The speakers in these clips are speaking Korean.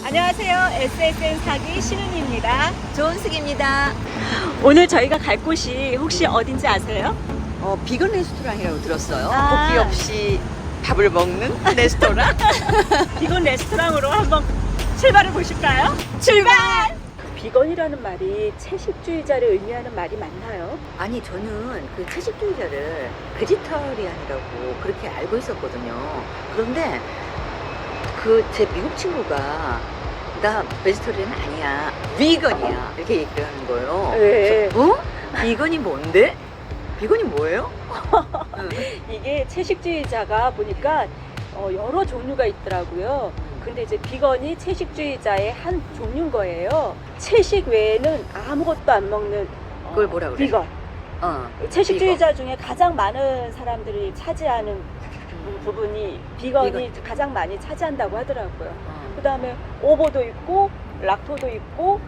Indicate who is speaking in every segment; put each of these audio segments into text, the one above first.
Speaker 1: 안녕하세요. SSN 사기 신은입니다.
Speaker 2: 조은숙입니다.
Speaker 1: 오늘 저희가 갈 곳이 혹시 어딘지 아세요?
Speaker 2: 비건 레스토랑이라고 들었어요.
Speaker 1: 아.
Speaker 2: 고기 없이 밥을 먹는 레스토랑.
Speaker 1: 비건 레스토랑으로 한번 출발해 보실까요? 출발! 비건이라는 말이 채식주의자를 의미하는 말이 맞나요?
Speaker 2: 아니, 저는 그 채식주의자를 베지터리안이라고 그렇게 알고 있었거든요. 그런데 그 제 미국 친구가 나 베지터리안 아니야, 비건이야, 이렇게 얘기를 하는 거예요.
Speaker 1: 네.
Speaker 2: 그래서, 비건이 뭔데? 비건이 뭐예요?
Speaker 1: 이게 채식주의자가 보니까 여러 종류가 있더라고요. 근데 이제 비건이 채식주의자의 한 종류인 거예요. 채식 외에는 아무것도 안 먹는
Speaker 2: 그걸 뭐라 그래?
Speaker 1: 비건. 채식주의자 중에 가장 많은 사람들이 차지하는 부분이 비건이 가장 많이 차지한다고 하더라고요. 그 다음에 오보도 있고 락토도 있고.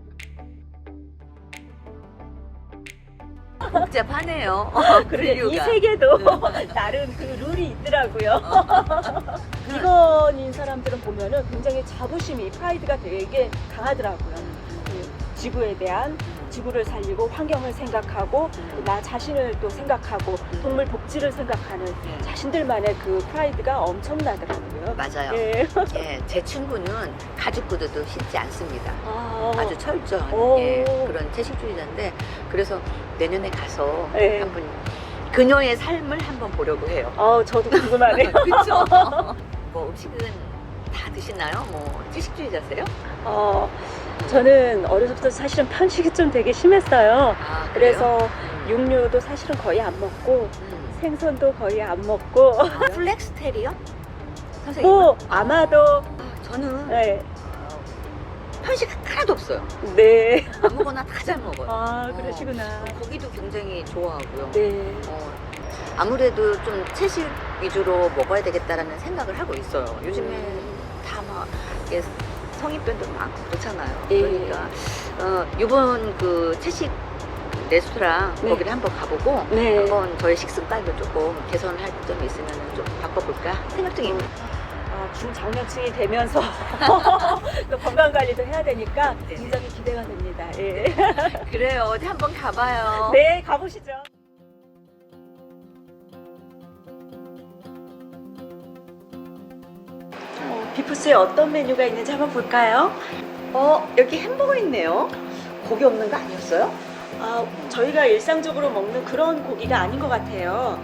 Speaker 2: 복잡하네요.
Speaker 1: 그래, 이
Speaker 2: 분류가.
Speaker 1: 세계도 나름 그 룰이 있더라고요. 비건인 사람들은 보면은 굉장히 자부심이, 프라이드가 되게 강하더라고요. 그 지구에 대한, 지구를 살리고 환경을 생각하고 나 자신을 또 생각하고 동물 복지를 생각하는 자신들만의 그 프라이드가 엄청나더라고요.
Speaker 2: 맞아요.
Speaker 1: 예.
Speaker 2: 예, 제 친구는 가죽 구두도 신지 않습니다.
Speaker 1: 아,
Speaker 2: 아주 철저한
Speaker 1: 오.
Speaker 2: 그런 채식주의자인데, 그래서 내년에 가서
Speaker 1: 네.
Speaker 2: 한번 그녀의 삶을 한번 보려고 해요.
Speaker 1: 저도 궁금하네요.
Speaker 2: 그렇죠? 뭐 음식은 다 드시나요? 뭐 채식주의자세요?
Speaker 1: 저는 어려서부터 사실은 편식이 좀 되게 심했어요.
Speaker 2: 아, 그래요?
Speaker 1: 그래서 육류도 사실은 거의 안 먹고 생선도 거의 안 먹고
Speaker 2: 플렉스테리언? 선생님?
Speaker 1: 뭐 아마도
Speaker 2: 저는
Speaker 1: 네.
Speaker 2: 편식 하나도 없어요.
Speaker 1: 네.
Speaker 2: 아무거나 다 잘 먹어요.
Speaker 1: 아, 그러시구나.
Speaker 2: 고기도 굉장히 좋아하고요.
Speaker 1: 네.
Speaker 2: 아무래도 좀 채식 위주로 먹어야 되겠다라는 생각을 하고 있어요. 요즘에 다 막 성인병도 많고 그렇잖아요.
Speaker 1: 예.
Speaker 2: 그러니까 이번 그 채식 레스토랑
Speaker 1: 네.
Speaker 2: 거기를 한번 가보고
Speaker 1: 네.
Speaker 2: 한번 저의 식습관도 조금 개선할 점이 있으면 좀 바꿔볼까 생각 중입니다.
Speaker 1: 중장년층이 되면서 또 건강 관리도 해야 되니까
Speaker 2: 네.
Speaker 1: 굉장히 기대가 됩니다. 예.
Speaker 2: 그래요. 어디 한번 가봐요.
Speaker 1: 네, 가보시죠. 비프스에 어떤 메뉴가 있는지 한번 볼까요?
Speaker 2: 여기 햄버거 있네요. 고기 없는 거 아니었어요?
Speaker 1: 저희가 일상적으로 먹는 그런 고기가 아닌 것 같아요.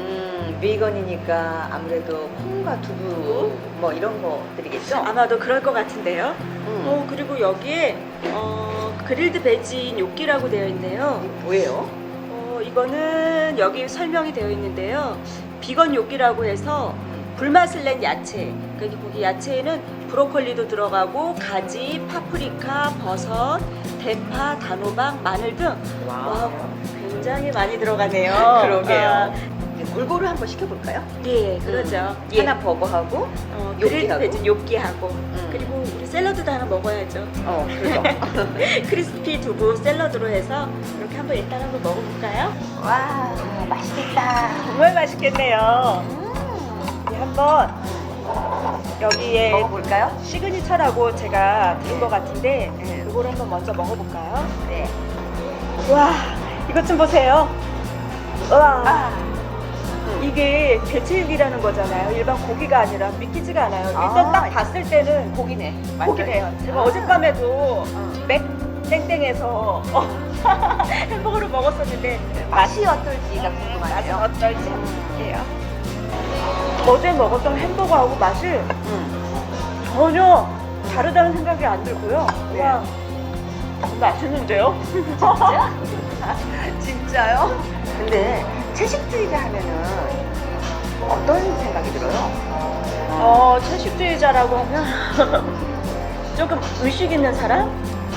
Speaker 2: 비건이니까 아무래도 콩과 두부 뭐 이런 것들이겠죠?
Speaker 1: 아마도 그럴 것 같은데요. 그리고 여기에 그릴드 베지 뇨끼라고 되어 있네요.
Speaker 2: 뭐예요?
Speaker 1: 이거는 여기 설명이 되어 있는데요. 비건 뇨끼라고 해서 불맛을 낸 야채. 그러니까 거기 야채에는 브로콜리도 들어가고 가지, 파프리카, 버섯, 대파, 단호박, 마늘 등 와, 굉장히 많이 들어가네요.
Speaker 2: 그러게요. 골고루 한번 시켜볼까요?
Speaker 1: 예, 그러죠.
Speaker 2: 하나 버거하고
Speaker 1: 그릴드
Speaker 2: 요끼하고?
Speaker 1: 베지 뇨끼하고 그리고 우리 샐러드도 하나 먹어야죠.
Speaker 2: 그죠.
Speaker 1: 크리스피 두부 샐러드로 해서 이렇게 한번 일단 한번 먹어볼까요?
Speaker 2: 와, 맛있겠다.
Speaker 1: 정말 맛있겠네요. 네, 한번 여기에
Speaker 2: 먹어볼까요?
Speaker 1: 시그니처라고 제가 들은 것 같은데
Speaker 2: 네.
Speaker 1: 이걸 한번 먼저 먹어볼까요?
Speaker 2: 네.
Speaker 1: 와, 이것 좀 보세요. 와, 이게 배칠육이라는 거잖아요. 일반 고기가 아니라 믿기지가 않아요. 일단 딱 봤을 때는
Speaker 2: 고기네.
Speaker 1: 고기네요. 제가 어젯밤에도 맥 땡땡에서 햄버거를 먹었었는데
Speaker 2: 맛이 어떨지가
Speaker 1: 맛은
Speaker 2: 궁금하네요.
Speaker 1: 어떨지 한번 볼게요. 어제 먹었던 햄버거하고 맛이 전혀 다르다는 생각이 안 들고요.
Speaker 2: 네.
Speaker 1: 와, 맛있는데요?
Speaker 2: 진짜? 진짜요? 근데 채식주의자 하면은 어떤 생각이 들어요?
Speaker 1: 채식주의자라고 하면 조금 의식 있는 사람?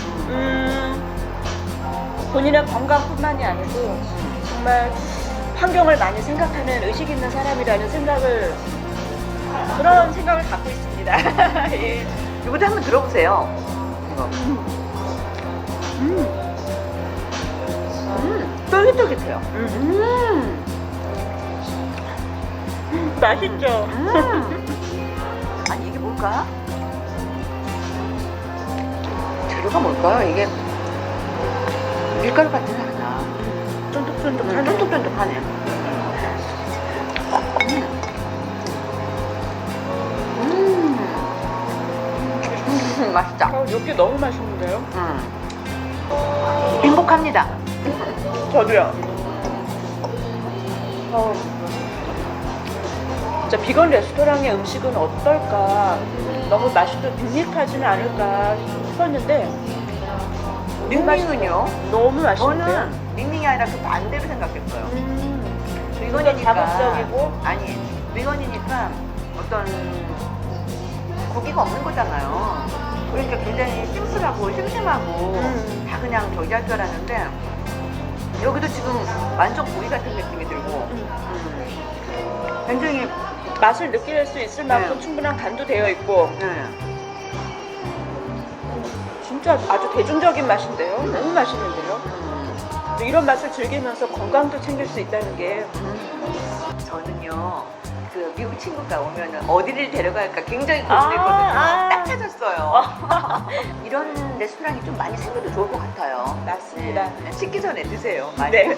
Speaker 1: 본인의 건강뿐만이 아니고 정말 환경을 많이 생각하는 의식 있는 사람이라는 생각을, 그런 생각을 갖고 있습니다. 예.
Speaker 2: 이것도 한번 들어보세요. 이거. 쫄깃쫄깃해요.
Speaker 1: 맛있죠?
Speaker 2: 아니, 이게 뭘까? 재료가 뭘까요? 이게 밀가루 같지는 않아.
Speaker 1: 쫀득쫀득하네.
Speaker 2: 쫀득쫀득하네. 맛있다.
Speaker 1: 이게 너무 맛있는데요?
Speaker 2: 행복합니다.
Speaker 1: 저도요. 진짜 비건 레스토랑의 음식은 어떨까? 너무 맛있고 밋밋하지는 않을까 싶었는데
Speaker 2: 밍밍은요?
Speaker 1: 너무 맛있는데요?
Speaker 2: 저는 밍밍이 아니라 그 반대로 생각했어요.
Speaker 1: 이거는 자극적이고
Speaker 2: 아니 비건이니까 어떤 고기가 없는 거잖아요. 그러니까 굉장히 심플하고 심심하고 다 그냥 저기 할 줄 알았는데 여기도 지금 완전 고기 같은 느낌이 들고 굉장히
Speaker 1: 맛을 느낄 수 있을 만큼
Speaker 2: 네.
Speaker 1: 충분한 간도 되어 있고
Speaker 2: 네.
Speaker 1: 진짜 아주 대중적인 맛인데요? 너무 맛있는데요? 이런 맛을 즐기면서 건강도 챙길 수 있다는 게
Speaker 2: 저는요 그 미국 친구가 오면은 어디를 데려갈까 굉장히 고민했거든요. 딱 찾았어요. 이런 레스토랑이 좀 많이 생겨도 좋을 것 같아요.
Speaker 1: 맞습니다.
Speaker 2: 네. 식기 전에 드세요. 많이.
Speaker 1: 네.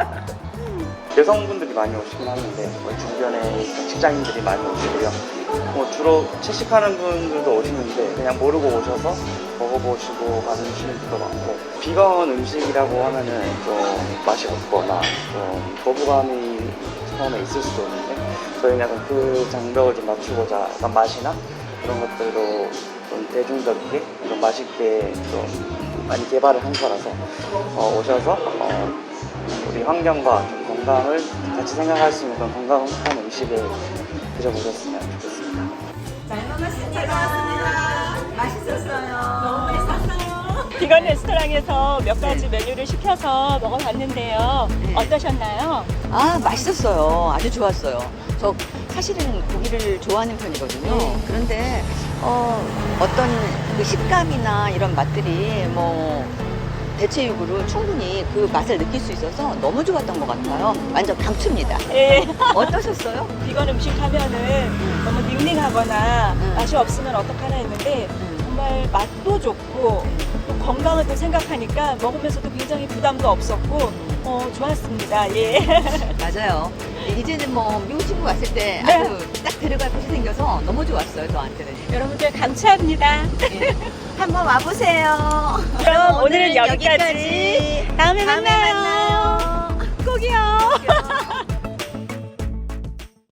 Speaker 3: 여성분들이 많이 오시긴 하는데 주변에 직장인들이 많이 오시고요. 주로 채식하는 분들도 오시는데 그냥 모르고 오셔서 먹어보시고 가시는 분도 많고 비건 음식이라고 하면은 좀 맛이 없거나 좀 거부감이 처음에 있을 수도 있는데 저희는 약간 그 장벽을 좀 낮추고자 약간 맛이나 그런 것들도 좀 대중적이게 좀 맛있게 좀 많이 개발을 한 거라서 오셔서 우리 환경과 좀 건강을 같이 생각할 수 있는 그런 건강한 음식을 드셔보셨으면 좋겠습니다.
Speaker 1: 비건 레스토랑에서 몇 가지 메뉴를 시켜서 먹어봤는데요.
Speaker 2: 네.
Speaker 1: 어떠셨나요?
Speaker 2: 아 맛있었어요. 아주 좋았어요. 저 사실은 고기를 좋아하는 편이거든요.
Speaker 1: 네.
Speaker 2: 그런데 어떤 그 식감이나 이런 맛들이 뭐 대체육으로 충분히 그 맛을 느낄 수 있어서 너무 좋았던 것 같아요. 완전 강추입니다.
Speaker 1: 예.
Speaker 2: 어떠셨어요?
Speaker 1: 비건 음식 하면은 너무 닝닝하거나
Speaker 2: 음.
Speaker 1: 맛이 없으면 어떡하나 했는데 정말 맛도 좋고 또 건강을 또 생각하니까 먹으면서도 굉장히 부담도 없었고 좋았습니다. 예.
Speaker 2: 맞아요. 이제는 뭐 미국 친구 왔을 때
Speaker 1: 네.
Speaker 2: 아주 딱 데려갈 곳이 생겨서 너무 좋았어요. 저한테는.
Speaker 1: 여러분들 감사합니다.
Speaker 2: 예. 한번 와보세요.
Speaker 1: 그럼 오늘은 여기까지. 다음에 만나요. 꼭이요.